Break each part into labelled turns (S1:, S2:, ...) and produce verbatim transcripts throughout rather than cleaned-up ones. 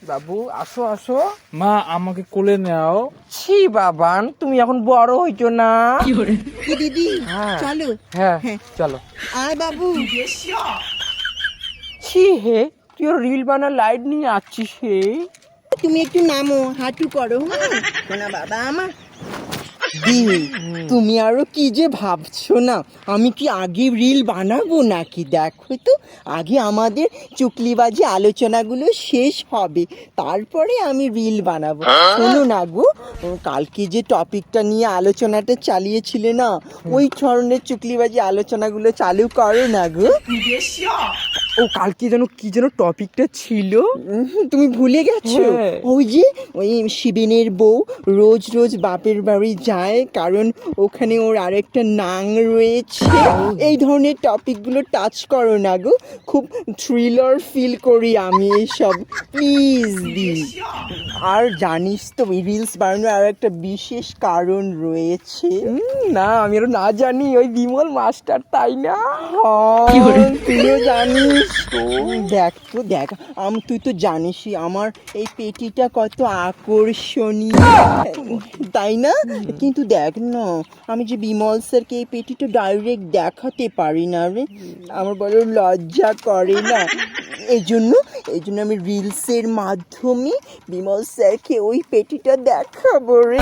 S1: বাবু আসো আসো।
S2: মা আমাকে কোলে নাও।
S1: ছি বাবান, তুমি এখন বড় হইছো না।
S3: কি দিদি
S1: হ্যাঁ
S3: চলো।
S1: হ্যাঁ
S3: হ্যাঁ
S1: চলো।
S3: আয় বাবু।
S1: ছি হে, তুই ওর রিল বানা লাইট নিয়ে আসছিস হে।
S3: তুমি একটু নামো, হাঁটু করো। হ্যাঁ শোনা বাবা আমার। দি তুমি আরো কি যে ভাবছো না, আমি কি আগে রিল বানাবো নাকি? দেখো তো আগে আমাদের চুকলিবাজি আলোচনাগুলো শেষ হবে, তারপরে আমি রিল বানাবো। শোনো না গো, কালকে যে টপিকটা নিয়ে আলোচনাটা চালিয়েছিলে না, ওই ধরনের চুকলিবাজি আলোচনাগুলো চালু করো না গো।
S1: ও কালকে যেন কি যেন টপিকটা ছিল।
S3: উম, তুমি ভুলে গেছো?
S1: হ্যাঁ।
S3: ওই যে ওই শিবেনের বউ রোজ রোজ বাপের বাড়ি যায়, কারণ ওখানে ওর আরেকটা নাং রয়েছে। এই ধরনের টপিকগুলো টাচ করো না গো, খুব থ্রিলার ফিল করি আমি এইসব। প্লিজ দি। আর জানিস তো রিলস বানানোর আর একটা বিশেষ কারণ রয়েছে।
S1: হুম, না আমি আরো না জানি, ওই বিমল মাস্টার তাই না?
S3: হ্যাঁ, তুইও জানিস তো। দেখ তো দেখ, আম তুই তো জানিসই আমার এই পেটিটা কত আকর্ষণীয়, তাই না? কিন্তু দেখ না, আমি যে বিমল স্যারকে এই পেটিটা ডাইরেক্ট দেখাতে পারি না রে, আমার বড় লজ্জা করে না। এই জন্য এই জন্য আমি রিলসের মাধ্যমে বিমল স্যারকে ওই পেটিটা দেখাবো রে।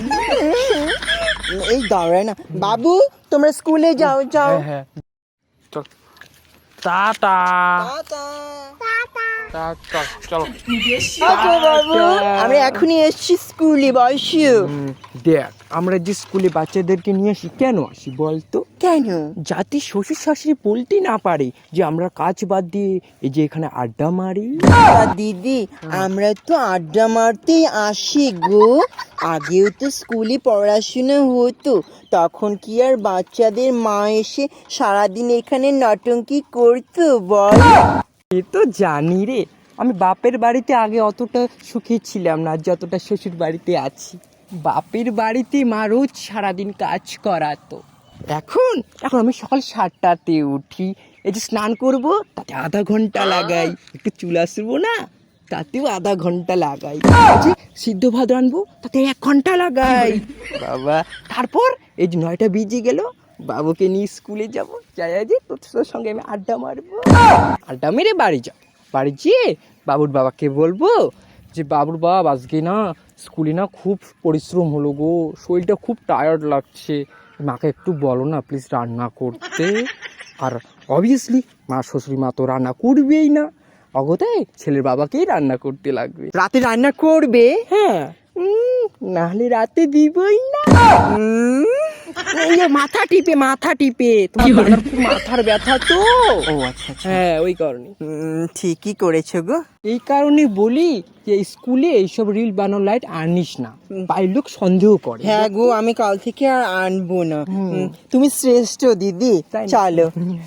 S3: এই দাঁড়ায় না বাবু, তোমরা স্কুলে যাও যাও।
S1: হ্যাঁ হ্যাঁ চল। টাটা।
S3: টাটা।
S1: টাটা চলো।
S3: আচ্ছা বাবু, আমি এখনই এসছি স্কুলে, বসিও।
S1: হুম, দেখ আমরা যে স্কুলে বাচ্চাদেরকে নিয়ে আসি কেন আসি বলতো?
S3: কেন?
S1: যাতে শ্বশুর শাশুড়ি বলতে না পারে যে আমরা কাজ বাদ দিয়ে এই যে এখানে আড্ডা মারি।
S3: তা দিদি, আমরা তো আড্ডা মারতেই আসি গো। আগেও তো স্কুলে পড়াশোনা হতো, তখন কি আর বাচ্চাদের মা এসে সারাদিন এখানে নটঙ্কি করতো বল?
S1: এ তো জানি রে, আমি বাপের বাড়িতে আগে অতটা সুখী ছিলাম না যতটা শ্বশুর বাড়িতে আছি। বাপের বাড়িতে মা রোজ সারাদিন কাজ করাতো। এখন এখন আমি সকাল সাতটাতে উঠি, এই যে স্নান করব তাতে আধা ঘন্টা লাগাই, একটু চুল আসবো না তাতেও আধা ঘন্টা লাগাই, এই যে সিদ্ধ ভাত রানবো তাতে এক ঘন্টা লাগাই বাবা। তারপর এই যে নয়টা বেজে গেল, বাবুকে নিয়ে স্কুলে যাব, যাই যে তোর সঙ্গে আমি আড্ডা মারবো। আড্ডা মেরে বাড়ি যাব, বাড়ি যেয়ে বাবুর বাবাকে বলবো যে বাবুর বাবা আজকে না স্কুলে না খুব পরিশ্রম হলো গো, শরীরটা খুব টায়ার্ড লাগছে, মাকে একটু বলো না প্লিজ রান্না করতে। আর অবভিয়াসলি মা শ্বশুরি মা তো রান্না করবেই না, অগতায় ছেলের বাবাকেই রান্না করতে লাগবে।
S3: রাতে রান্না করবে?
S1: হ্যাঁ, উম, নাহলে রাতে দিবই না।
S3: উম,
S1: এই যে মাথা টিপে মাথা টিপে, তোমার দাদার খুব মাথার ব্যথা তো।
S3: ও আচ্ছা আচ্ছা।
S1: হ্যাঁ ওই কারণে।
S3: উম, ঠিকই করেছো গো।
S1: এই কারণে বলি যে স্কুলে এইসব রিল বানানো লাইট আনিস না, বাড়ির লোক সন্দেহ করে।
S3: হ্যাঁ গো, আমি কাল থেকে আর আনবো না।
S1: হুম।
S3: উম, তুমি শ্রেষ্ঠ দিদি।
S1: তাই না?
S3: চলো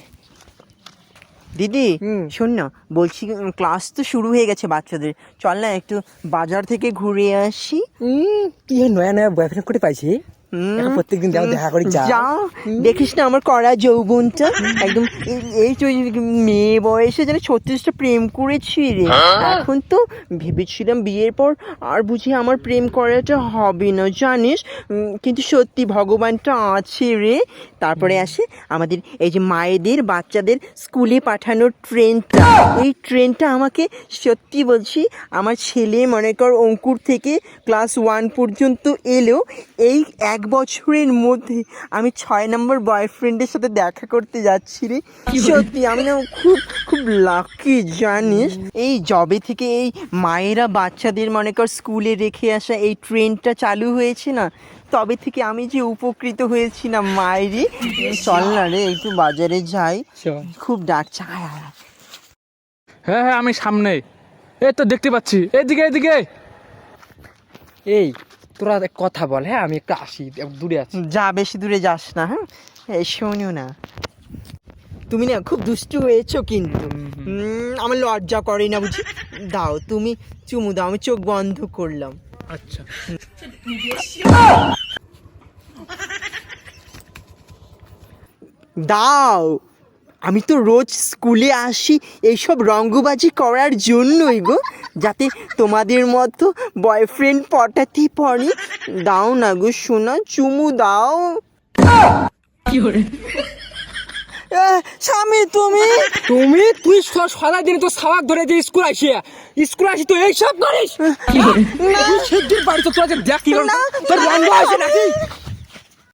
S3: দিদি,
S1: হুম।
S3: শোন না, বলছি উম, ক্লাস তো শুরু হয়ে গেছে বাচ্চাদের, চল না একটু বাজার থেকে ঘুরে আসি।
S1: হুম, কি হয় নয়া নয়া বয়ফ্রেন্ড করে পাইছি?
S3: হুম,
S1: এখন প্রত্যেকদিন যাও, দেখা করে যাও।
S3: যাও, দেখিস না আমার কড়া যৌবনটা একদম। এই- এই তো এই মেয়ে বয়সে যেন ছত্রিশটা প্রেম করেছি রে। এখন তো ভেবেছিলাম বিয়ের পর আর বুঝি আমার প্রেম করাটা হবে না, জানিস। উম, কিন্তু সত্যি ভগবানটা আছে রে। তারপরে আসে আমাদের এই যে মায়েদের বাচ্চাদের স্কুলে পাঠানোর ট্রেনটা। এই ট্রেনটা আমাকে সত্যি বলছি, আমার ছেলে মনে কর অঙ্কুর থেকে ক্লাস ওয়ান পর্যন্ত এলেও এই এক বছরের মধ্যে আমি ছয় নম্বর বয়ফ্রেন্ডের সাথে দেখা করতে যাচ্ছি রে। সত্যি আমি না খুব খুব লাকি, জানিস। এই জবে থেকে এই মায়েরা বাচ্চাদের মনে কর স্কুলে রেখে আসা এই ট্রেনটা চালু হয়েছে না, তবে থেকে আমি যে উপকৃত হয়েছি না মায়েরই। চল না রে একটু বাজারে যাই, খুব ডাকছে। আয় আয় আয়।
S2: হ্যাঁ হ্যাঁ আমি সামনে, এই তো দেখতে পাচ্ছি, এদিকে এদিকে।
S1: এই তোরা এক কথা বল, হ্যাঁ আমি একটু আসি, একটু দূরে আছি।
S3: যা, বেশি দূরে যাস না। হ্যাঁ এই শোনো না, তুমি না খুব দুষ্টু হয়েছো কিন্তু। উম, আমার লজ্জা করে না বুঝি। দাও তুমি চুমু দাও, আমি চোখ বন্ধ করলাম।
S2: আচ্ছা
S3: দাও। আমি তো রোজ স্কুলে আসি এইসব রঙ্গবাজি করার জন্যই গো, যাতে তোমাদের মতো বয়ফ্রেন্ড পটাতে পারি। দাও না গো সোনা, চুমু দাও। আহ, স্বামী তুমি
S1: তুমি তুই সদাই দিন তো সাবাক ধরে দিয়ে স্কুল আসি স্কুল আসি তো এইসব করিস তুই সেদিন বাড়িতে তোরা যে দেখলি না তোর রঙ্গ আসে নাকি